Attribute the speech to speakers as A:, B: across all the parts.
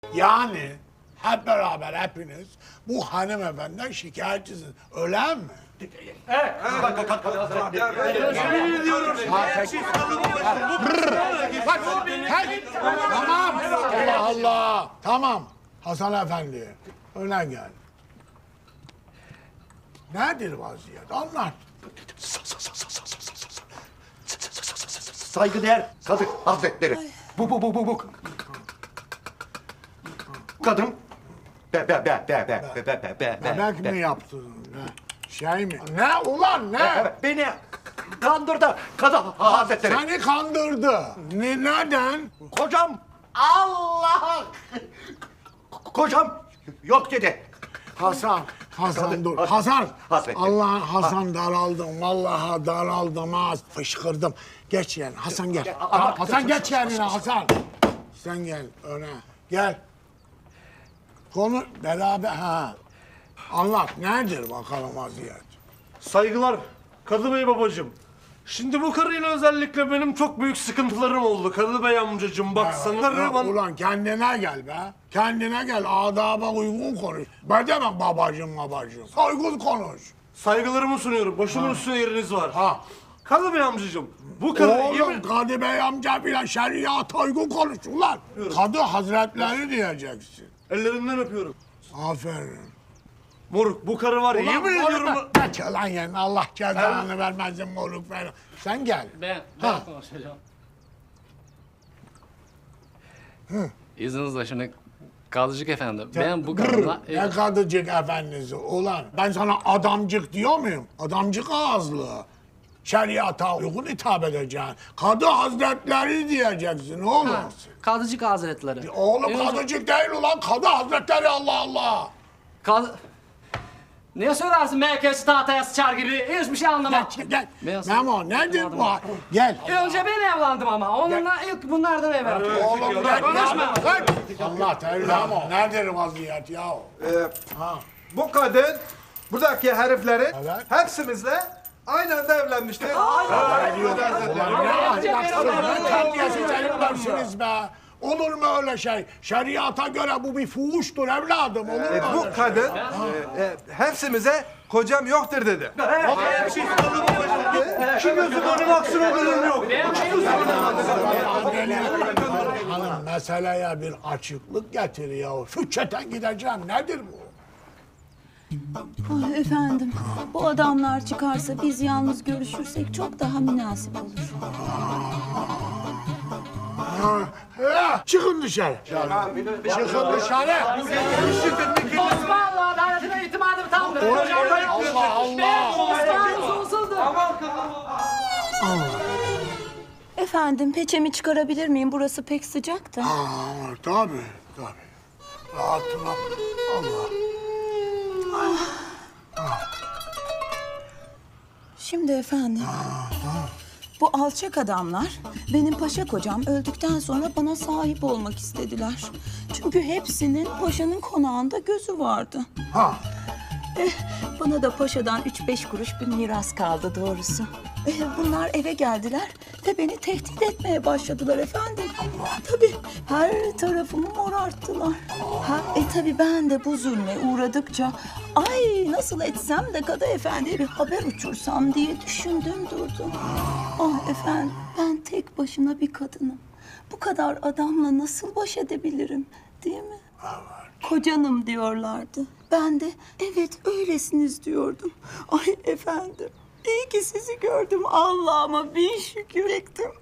A: Yani hep beraber hepiniz bu hanımefendiden şikayetçisiniz. Öyle mi?
B: Evet.
C: Yemin ediyorum.
A: Tamam. Allah Allah. Tamam. Hasan Efendi. Öne gel. Nedir vaziyet? Anlat.
B: Saygıdeğer Kadı Hazretleri. Bu. Kadın.
A: Bebek mi yaptın? Ne? Şey mi? Ne ulan ne?
B: Beni kandırdı Kadı Hazretleri.
A: Seni kandırdı. Neden?
B: Kocam Allah. Kocam yok dedi.
A: Hasan dur. Hasan.
B: Hazretleri.
A: Allah Hasan daraldım. Vallahi daraldım ha. Fışkırdım. Geç yani. Hasan gel. Hasan geç yerine Hasan. Sen gel öne. Gel. Konu beraber ha. Anlat nedir bakalım vaziyet?
C: Saygılar Kadı Bey babacığım. Şimdi bu karıyla özellikle benim çok büyük sıkıntılarım oldu. Kadı Bey amcacığım bak sana karı bana...
A: Ulan kendine gel be. Kendine gel. Adaba uygun konuş. Ben demem babacığım. Saygılı konuş.
C: Saygılarımı sunuyorum. Başımın üstüne yeriniz var.
A: Ha.
C: Kadı Bey amcacığım bu karı...
A: Oğlum Kadı Bey amca bile şeriat uygun konuş ulan. Kadı hazretleri diyeceksin.
C: Ellerinden öpüyorum.
A: Aferin.
C: Moruk bu karı var ya yemin ediyorum...
A: Kaç lan yani Allah cezanı vermezsin moruk falan. Sen gel.
D: Ben konuşacağım. İzninizle şimdi Kadıcık efendi, ben bu kadınla...
A: Ne kadıcık efendisi ulan. Ben sana adamcık diyor muyum? Adamcık ağızlı. Şeriata uygun hitap edeceksin. Kadı hazretleri diyeceksin oğlum.
D: Kadıcık Hazretleri.
A: Oğlum
D: Önce-
A: kadıcık değil ulan. Kadı hazretleri Allah Allah.
D: Ne söylersin merkez tahtaya sıçar gibi? Hiçbir şey anlamam.
A: Gel.
D: Beyaz-
A: Memo nedir bu?
D: Anlamadım.
A: Gel.
D: Önce ben evlendim ama. Onunla ilk bunlardan evlendim.
A: Oğlum gel.
D: Konuşma.
A: Gel. Allah Teala Memo. Nedir vaziyet ya?
E: Bu kadın buradaki heriflerin
A: Evet.
E: hepsimizle aynı anda evlenmiştir.
A: Ulan ne ahlaksız, ne terbiyesiz heriflersiniz be. Olur mu öyle şey? Şeriata göre bu bir fuhuştur evladım. Olur mu öyle
E: Bu
A: şey?
E: kadın hepsimize kocam yoktur dedi.
C: İki gözüm önüme aksın o bölüm yok.
A: Hanım meseleye bir açıklık getiriyor. Füçeten gideceğim. Nedir bu?
F: Ah efendim, bu adamlar çıkarsa biz yalnız görüşürsek çok daha münasip olur.
A: Çıkın dışarı. Çıkın dışarı.
D: Osmanlı adaletine itimadım tamdır.
A: Allah Allah.
D: Osmanlı sonsuzdur.
F: Efendim, peçemi çıkarabilir miyim? Burası pek sıcak da.
A: Tabii. Rahatına. Allah.
F: Şimdi efendim, bu alçak adamlar benim paşa kocam öldükten sonra bana sahip olmak istediler. Çünkü hepsinin paşanın konağında gözü vardı.
A: Ha.
F: Bana da paşadan 3-5 kuruş bir miras kaldı doğrusu. Bunlar eve geldiler ve beni tehdit etmeye başladılar efendim. Tabii her tarafımı morarttılar. Tabii ben de bu zulme uğradıkça ay nasıl etsem de Kadı Efendi'ye bir haber uçursam diye düşündüm durdum. Ah efendim ben tek başına bir kadınım. Bu kadar adamla nasıl baş edebilirim değil mi? Kocanım diyorlardı. Ben de evet öylesiniz diyordum. Ay efendim iyi ki sizi gördüm. Allah'ıma bin şükür ettim.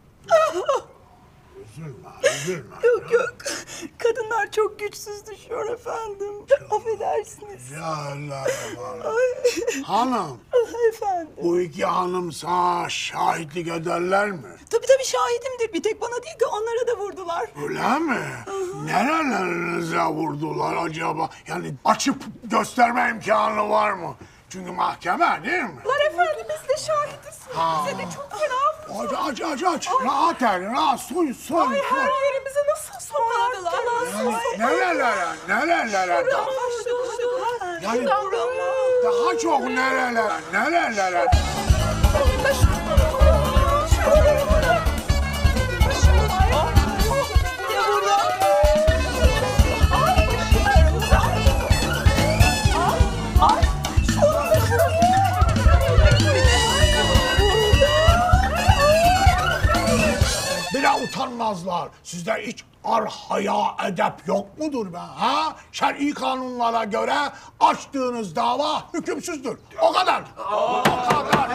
A: Üzülme.
F: Yok. Kadınlar çok güçsüz düşüyor efendim. Affedersiniz.
A: Ya Allah Allah. Hanım,
F: Efendim.
A: bu iki hanım sana şahitlik ederler mi?
F: Tabii şahidimdir. Bir tek bana değil ki onlara da vurdular.
A: Öyle mi? Nerelerinize vurdular acaba? Yani açıp gösterme imkanı var mı? Çünkü mahkeme değil mi?
F: Efendim biz de şahidiz. Bize de çok fena vurdu.
A: Aç. Rahat el, rahat. Soy.
F: Yerimize nasıl sokardılar?
A: Nerelere? Yani daha çok nerelere? hanımlar, sizde hiç haya, edep yok mudur be? Ha? Şer'i kanunlara göre açtığınız dava hükümsüzdür. O kadar. O kadar.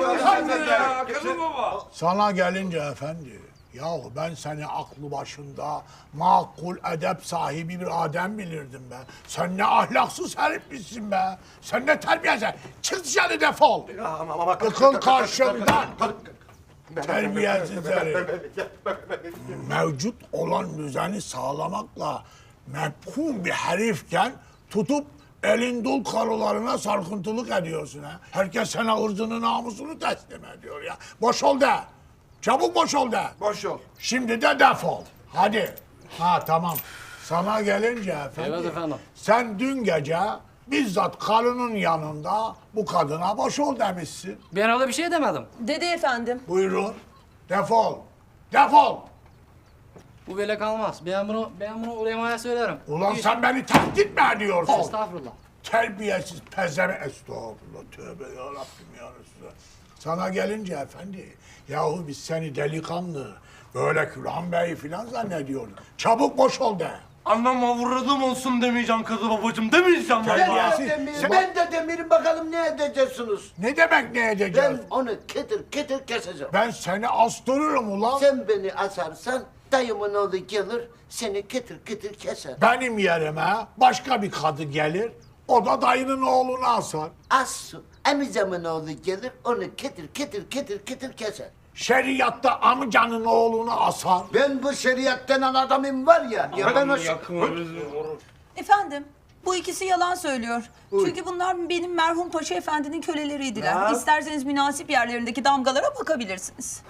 A: Sana gelince efendi, yahu ben seni aklı başında makul edep sahibi bir adem bilirdim be. Sen ne ahlaksız herifmişsin be. Sen ne terbiyesiz. Çık dışarı defol. Yıkıl karşımdan. Terbiyesiz herif. Mevcut olan düzeni sağlamakla mefhum bir herifken tutup elin dul karılarına sarkıntılık ediyorsun ha. Herkes sana ırzını namusunu teslim ediyor ya. Boş ol de. Çabuk boş ol de.
E: Boş ol.
A: Şimdi de defol. Hadi. Ha tamam. Sana gelince efendim.
D: Evet efendim.
A: Sen dün gece bizzat karının yanında bu kadına boş ol demişsin.
D: Ben öyle bir şey demedim.
F: Dedi efendim.
A: Buyurun. Defol. Defol.
D: Bu böyle kalmaz. Ben bunu ulemaya söylerim.
A: Ulan sen beni tehdit mi ediyorsun?
D: Estağfurullah.
A: Terbiyesiz pezeme. Estağfurullah. Tövbe yarabbim ya Resulallah. Sana gelince efendi. Yahu biz seni delikanlı, böyle Külhan Bey falan zannediyorduk. Çabuk boş ol de.
C: Annem avradım olsun demeyeceğim kadı babacığım. Demeyeceğim vallahi.
A: Terbiyesiz.
G: Ben de demirim bakalım ne edeceksiniz?
A: Ne demek ne edeceğiz?
G: Ben onu ketir ketir keseceğim.
A: Ben seni astırırım ulan.
G: Sen beni asarsan dayımın oğlu gelir seni ketir ketir keser.
A: Benim yerime başka bir kadı gelir. O da dayının oğlunu asar.
G: Assu amcamın oğlu gelir onu ketir ketir ketir ketir keser.
A: Şeriatta amcanın oğlunu asar.
G: Ben bu şeriat denen adamım var ya. Ya ben o
F: Efendim, bu ikisi yalan söylüyor. Çünkü bunlar benim merhum Paşa Efendi'nin köleleriydiler. İsterseniz münasip yerlerindeki damgalara bakabilirsiniz.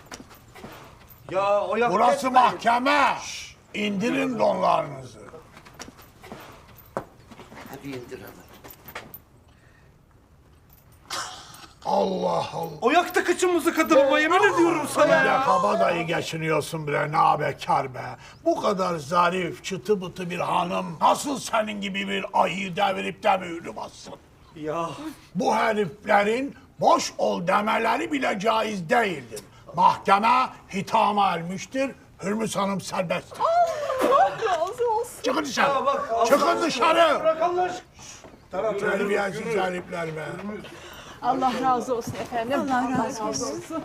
B: Ya o yak
A: Burası mahkeme. İndirin donlarınızı.
G: Hadi indir onu.
A: Allah Allah.
C: O yaktı kıçımızı kadı baba yemin ediyorum sana
A: Bir de
C: ya.
A: kabadayı geçiniyorsun bre, ne bekar be. Bu kadar zarif, çıtı bıtı bir hanım nasıl senin gibi bir ayı devirip de büyülü bassın?
C: Ya
A: Bu heriflerin boş ol demeleri bile caiz değildir. Mahkeme hitama ermiştir. Hürmüz Hanım serbesttir.
F: Razı olsun.
A: Çıkın dışarı. Çıkın dışarı.
C: bırak Allah aşkına.
A: Terbiyesiz herifler be.
H: Allah razı olsun efendim.
F: Allah razı olsun.